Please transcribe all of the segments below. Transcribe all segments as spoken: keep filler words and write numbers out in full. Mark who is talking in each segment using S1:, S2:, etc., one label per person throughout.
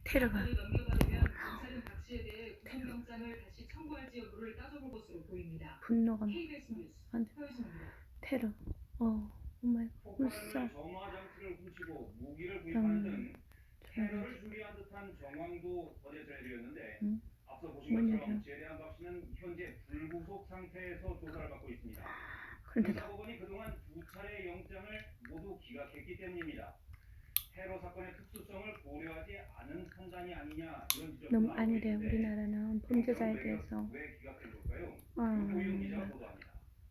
S1: 테러가
S2: 안건을 넘겨받으면 검찰은 박 씨에 대해 구속영장을 다시 청구할지 여부를 따져볼 것으로 보입니다.
S1: 분노가
S2: 케이비에스 뉴스
S1: 완전
S2: 서유진입니다.
S1: 테러. 어, 오마이
S3: 폭발하는
S1: 갓.
S3: 정화 장치를 훔치고 무기를 구입하는 등 테러를 준비한 듯한 정황도 어제 전해드렸는데
S1: 응?
S3: 앞서 보신
S1: 뭔
S3: 것처럼
S1: 일이야?
S3: 제대한 박 씨는 현재 불구속 상태에서 조사를 받고 있습니다.
S1: 그런데
S3: 수사법원이 그동안 두 차례 영장을 모두 기각했기 때문입니다. 테러 사건의 특수성을 고려하지 않은 판단이 아니냐 이런 지적도
S1: 너무
S3: 나오고
S1: 아니래.
S3: 있는데
S1: 우리나라는 범죄자에
S3: 영장을
S1: 대해서
S3: 왜 기각한 걸까요?
S1: 어,
S3: 고윤 기자가 보도합니다.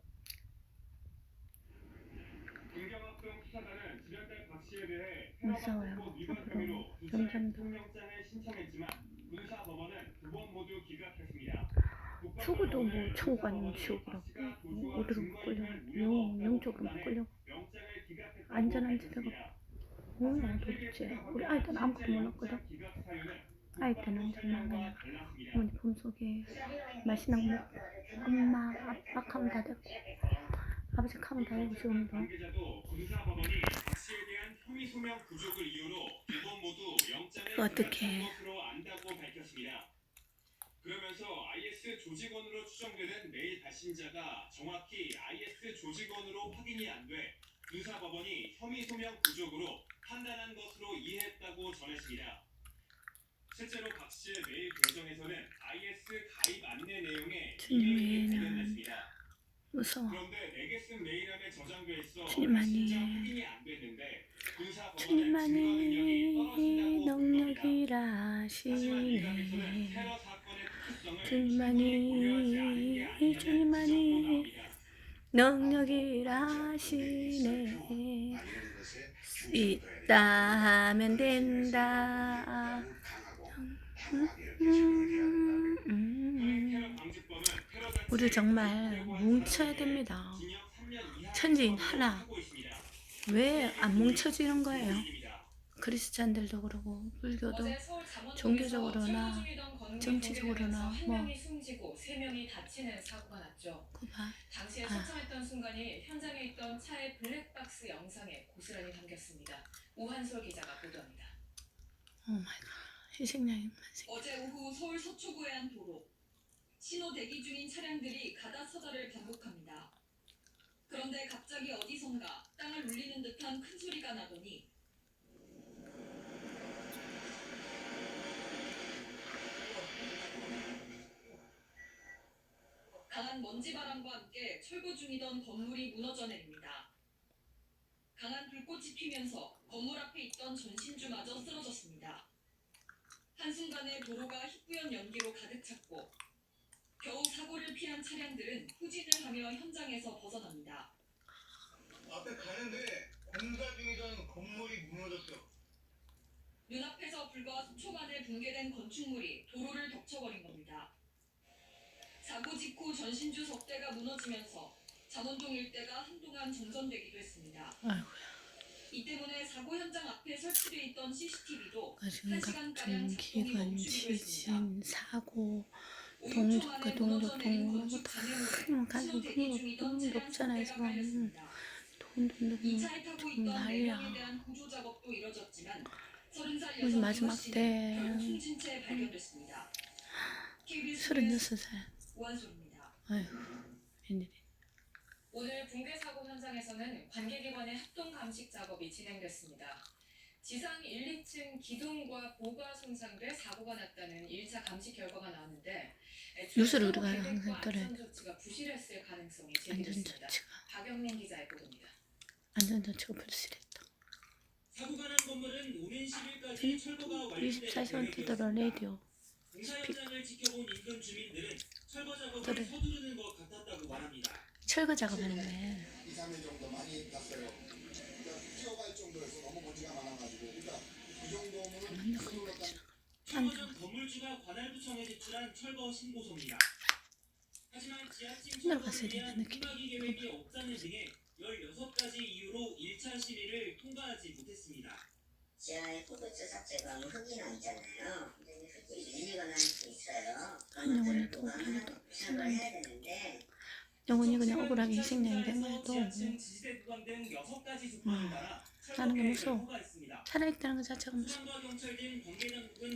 S3: 김경학동 수사단은 지난달 박 씨에 대해
S1: 무서워요.
S3: 테러방지법 위반
S1: 앞으로
S3: 혐의로 두 차례
S1: 영장도
S3: 구속영장을 신청했지만 군사법원은 두 번 모두 기각했습니다.
S1: 죽어도 뭐 천국 아니면 지옥이라고. 어디로 못 끌려고. 영, 영적으로 못 끌려고. 안전한 데다가 뭐야 도대체. 우리 아이 때는 아무것도 몰랐거든. 아이 때는 정말 그냥 어머니 품속에 맛있는 거 먹고 엄마 아빠 카면 다 됐고 아버지 카면 다 되고 지금도
S3: 관계자도 군사법원이 박 씨에 대한 혐의 소명 부족을 이유로 두 번 모두 영장을
S1: 어떡해.
S3: 기각한 것으로 안다고 밝혔습니다. 그러면서 아이에스 조직원으로 추정되는 메일 발신자가 정확히 아이에스 조직원으로 확인이 안 돼 군사법원이 혐의 소명 부족으로 판단한 것으로 이해했다고 전했습니다. 실제로 박 씨의 메일 계정에서는 아이에스 가입 안내 내용에 이메일이
S1: 주님이
S3: 발견됐습니다.
S1: 무서워.
S3: 그런데 내게 쓴 메일함에 저장돼 있어
S1: 주님만이
S3: 진짜 확인이 안 됐는데 군사법원은 증거
S1: 주님만이
S3: 능력이 떨어진다고 불겁니다.
S1: 능력이라
S3: 하지만 이 감에서는
S1: 하시네.
S3: 테러 사건의 특수성을
S1: 주님만이
S3: 고려하지 않은 게 아니냐는 지적도
S1: 주님만이
S3: 나옵니다.
S1: 능력이라 하시네. 있다면 된다. 음, 음, 음. 우리 정말 뭉쳐야 됩니다. 천지인 하나. 왜 안 뭉쳐지는 거예요? 크리스찬들도 그러고 불교도 종교적으로나 정치적으로나 뭐
S2: 세 명이 다치는 사고가 났죠.
S1: 그봐.
S2: 당시에
S1: 아.
S2: 설정했던 순간이 현장에 있던 차의 블랙박스 영상에 고스란히 담겼습니다. 우한솔 기자가 보도합니다.
S1: 오 마이 갓. 희생양이
S2: 어제 오후 서울 서초구의 한 도로. 신호 대기 중인 차량들이 가다서다를 반복합니다. 그런데 갑자기 어디선가 땅을 울리는 듯한 큰 소리가 나더니 강한 먼지바람과 함께 철거 중이던 건물이 무너져 내립니다. 강한 불꽃이 피면서 건물 앞에 있던 전신주마저 쓰러졌습니다. 한순간에 도로가 희뿌연 연기로 가득 찼고 겨우 사고를 피한 차량들은 후진을 하며 현장에서 벗어납니다.
S4: 앞에 가는데 공사 중이던 건물이 무너졌어.
S2: 눈앞에서 불과 수 초 만에 붕괴된 건축물이 도로를 덮쳐버린 겁니다. 사고 직후 전신주 석 대가 무너지면서 잠원동 일대가 한동안 정전되기도 했습니다.
S1: 아이고야.
S2: 이 때문에 사고 현장 앞에 설치돼 있던 씨씨티비도
S1: 가슴각종, 기관, 지진, 사고, 동족과 동족동 다 가지고 너무 높잖아요 지금. 돈돈돈 난리야. 우리 마지막 때 서른여섯 살. 아이고 웬일이.
S2: 오늘 붕괴 사고 현장에서는 관계기관의 합동 감식 작업이 진행됐습니다. 지상 일, 이 층 기둥과 보가 손상돼 사고가 났다는 일 차 감식 결과가 나왔는데
S1: 뉴스를 우리가 항상 떨어야 돼.
S2: 안전조치가 부실했을 가능성이 제기됐습니다.
S1: 안전조치가
S2: 박영민 기자의 보도입니다.
S1: 안전조치가 불실했다.
S5: 사고가 난 건물은 오는 십일까지 철거가 완료될
S1: 이십사 시간 뜨더라 라디오.
S5: 공사 현장을 지켜본 인근 주민들은 철거 작업을
S1: 그래.
S5: 서두르는 것 같았다고 말합니다.
S1: 철거 작업하는 거야.
S6: 이, 삼 일 정도 많이 났어요. 그러니까 뛰어갈 정도에서 너무 먼지가 많아가지고 그러니까 그 정도면
S1: 맨날 그거
S5: 철거 전 건물주가 관할구청에 제출한 철거 신고서입니다. 하지만 지하층
S1: 맨날
S5: 철거를
S1: 갔어야
S5: 위한
S1: 되는 느낌.
S5: 후가기 계획이 없다는 등의 열여섯 가지 이유로 일 차 심의를 통과하지 못했습니다.
S7: 지하에 포도주 삭제가 흙이 나 있잖아요. 근데 흙이 밀리거나 할 수 있어요.
S1: 한 영혼이
S7: 그런
S1: 또
S7: 것들을
S1: 그래도
S7: 생각을 해야 되는데
S1: 영혼이 그냥 억울하게 희생양이 된 거야 또.
S5: 지하층 지지대 구간 등 여섯 가지 조건을 따라
S1: 나는 거
S5: 철거
S1: 무서워.
S5: 계획을 통과했습니다.
S1: 살아있다는 것 자체가 무서워.
S5: 소방과 경찰 등 관계당국은